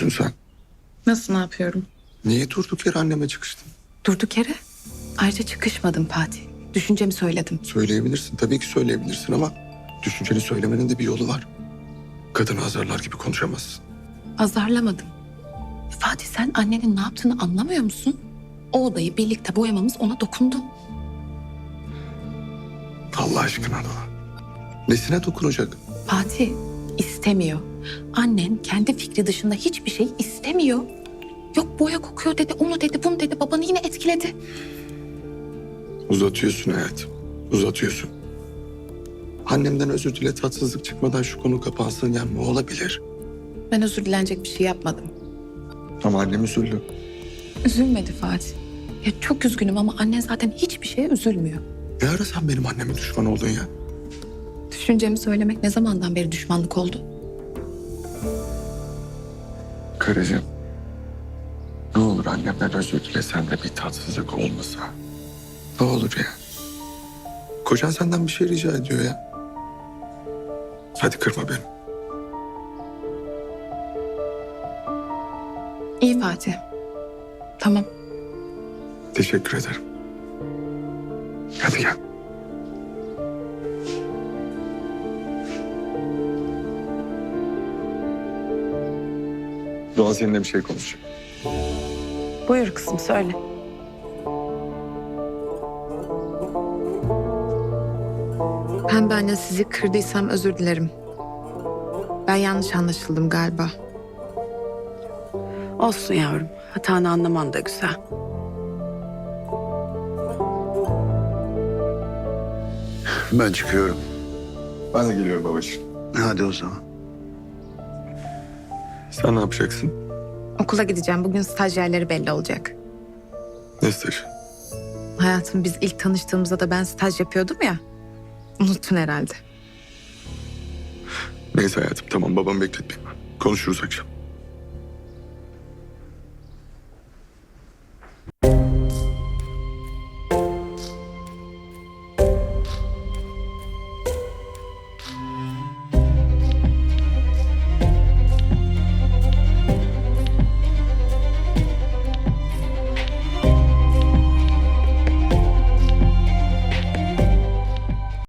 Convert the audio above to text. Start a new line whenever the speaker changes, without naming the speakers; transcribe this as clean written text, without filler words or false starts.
yapıyorsun sen?
Nasıl ne yapıyorum?
Niye durduk yere anneme çıkıştın?
Durduk yere. Ayrıca çıkışmadım Fatih. Düşüncemi söyledim.
Söyleyebilirsin. Tabii ki söyleyebilirsin ama düşünceni söylemenin de bir yolu var. Kadını azarlar gibi konuşamazsın.
Azarlamadım. Fatih sen annenin ne yaptığını anlamıyor musun? O odayı birlikte boyamamız ona dokundu.
Allah aşkına Doğa. Nesine dokunacak?
Fatih istemiyor. Annen kendi fikri dışında hiçbir şey istemiyor. Yok boya kokuyor dedi, onu dedi, bunu dedi. Babanı yine etkiledi.
Uzatıyorsun hayatım. Uzatıyorsun. Annemden özür dile, tatsızlık çıkmadan şu konu kapansın, yani ne olabilir?
Ben özür dilenecek bir şey yapmadım.
Ama annem üzüldü.
Üzülmedi Fatih. Ya çok üzgünüm ama annen zaten hiçbir şeye üzülmüyor.
Ne ara sen benim annemin düşmanı oldun ya?
Düşüncemi söylemek ne zamandan beri düşmanlık oldu?
Karıcığım. Ne olur annemden özür dilesen de bir tatsızlık olmasa. Ne olur ya. Kocan senden bir şey rica ediyor ya. Hadi kırma beni.
İyi Fatih. Tamam.
Teşekkür ederim. Hadi gel. Doğan seninle bir şey konuşacak.
Buyur kızım söyle. Pembe anne sizi kırdıysam özür dilerim. Ben yanlış anlaşıldım galiba.
Olsun yavrum. Hatanı anlaman da güzel.
Ben çıkıyorum.
Ben de geliyorum babacığım.
Hadi o zaman.
Sen ne yapacaksın?
Okula gideceğim. Bugün stajyerleri belli olacak.
Ne stajı?
Hayatım biz ilk tanıştığımızda da ben staj yapıyordum ya. Unuttun herhalde.
Neyse hayatım, tamam, babamı bekletmeyeyim ben. Konuşuruz akşam.